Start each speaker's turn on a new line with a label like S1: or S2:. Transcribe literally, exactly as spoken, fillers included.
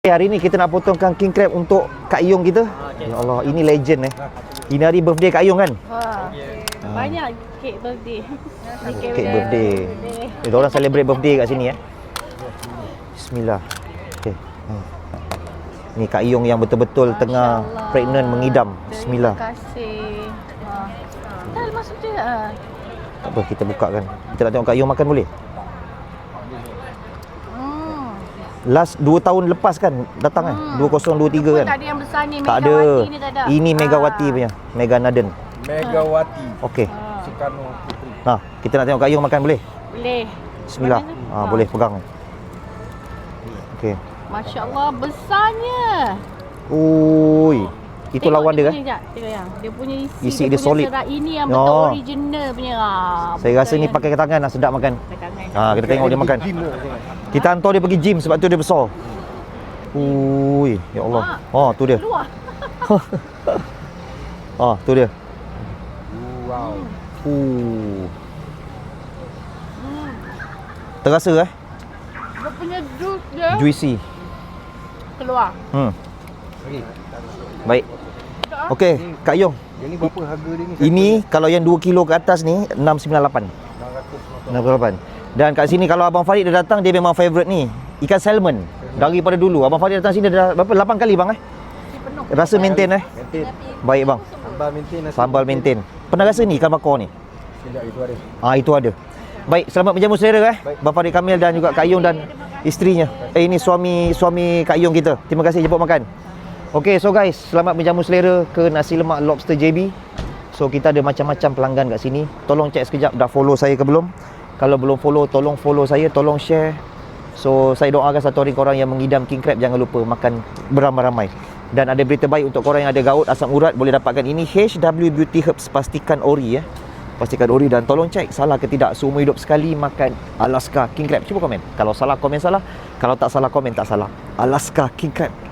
S1: Hari ni kita nak potongkan king crab untuk Kak Yong kita. Ya Allah, ini legend eh. Ini hari birthday Kak Yong kan?
S2: Ha. Banyak kek birthday.
S1: Oh, kek birthday. Dia orang celebrate birthday kat sini eh. Bismillah. Okey. Hmm. Ni Kak Yong yang betul-betul tengah pregnant mengidam. Bismillah.
S2: Terima kasih. Ha. Dah masuk je. Ha.
S1: Tak apa, kita buka kan. Kita nak tengok Kak Yong makan boleh? Last dua tahun lepas kan datang kan, hmm. dua ribu dua puluh tiga kan.
S2: Tak ada yang besar ni,
S1: tak
S2: Megawati
S1: ada.
S2: Ni tak ada.
S1: Ini Megawati
S2: ha.
S1: punya, Mega Naden.
S3: Megawati.
S1: Okey.
S2: Ha.
S3: Soekarno Putri.
S1: Nah, kita nak tengok Kak Yong makan boleh?
S2: Boleh.
S1: Bismillah. Ha, ha, boleh pegang. Okey.
S2: Masya-Allah besarnya.
S1: Ui. Itu
S2: Tengok
S1: lawan dia kan?
S2: Sekejap, tengok yang. Dia punya isi,
S1: Isi
S2: dia,
S1: dia
S2: punya
S1: solid.
S2: serat ini yang
S1: Oh.
S2: betul original punya. Ha,
S1: Saya rasa ni pakai ke tangan lah, sedap makan. Ha, kita tengok dia makan. Kita hantar dia pergi gym sebab tu dia besar. Ui, ya Allah. Oh, tu dia.
S2: Keluar.
S1: Oh, tu dia.
S3: Wow.
S1: Uh.
S2: Hmm.
S1: Terasa eh?
S2: Dia punya juice dia
S1: Juicy.
S2: keluar.
S1: Hmm.
S3: Okey.
S1: Baik. Okey, Kak Yong.
S3: Yang ni berapa harga dia ni?
S1: Ini kalau yang dua kilo ke atas ni enam sembilan lapan. enam sembilan lapan. Dan kat sini kalau Abang Farid dia datang, dia memang favourite ni, ikan salmon. Daripada dulu Abang Farid datang sini dah berapa? lapan kali bang eh? Rasa maintain eh?
S3: Maintain.
S1: Baik bang.
S3: Sambal maintain. nasi
S1: Sambal maintain. Pernah rasa ni ikan bakar ni?
S3: Sekejap itu ada.
S1: Ah, itu ada. Baik, selamat menjamu selera eh. Abang Farid Kamil dan juga Kak Yong dan isterinya. Eh ini suami suami Kak Yong kita. Terima kasih jemput makan. Okey, so guys, selamat menjamu selera ke nasi lemak lobster J B. So kita ada macam-macam pelanggan kat sini. Tolong cek sekejap dah follow saya ke belum. Kalau belum follow, tolong follow saya, tolong share. So saya doakan satu hari korang yang mengidam king crab jangan lupa makan beramai-ramai. Dan ada berita baik untuk korang yang ada gaut, asam urat, boleh dapatkan ini H W Beauty Herbs, pastikan ori ya. Pastikan ori dan tolong cek salah ke tidak seumur hidup sekali makan Alaska king crab. Cuba komen. Kalau salah komen salah, kalau tak salah komen tak salah. Alaska king crab.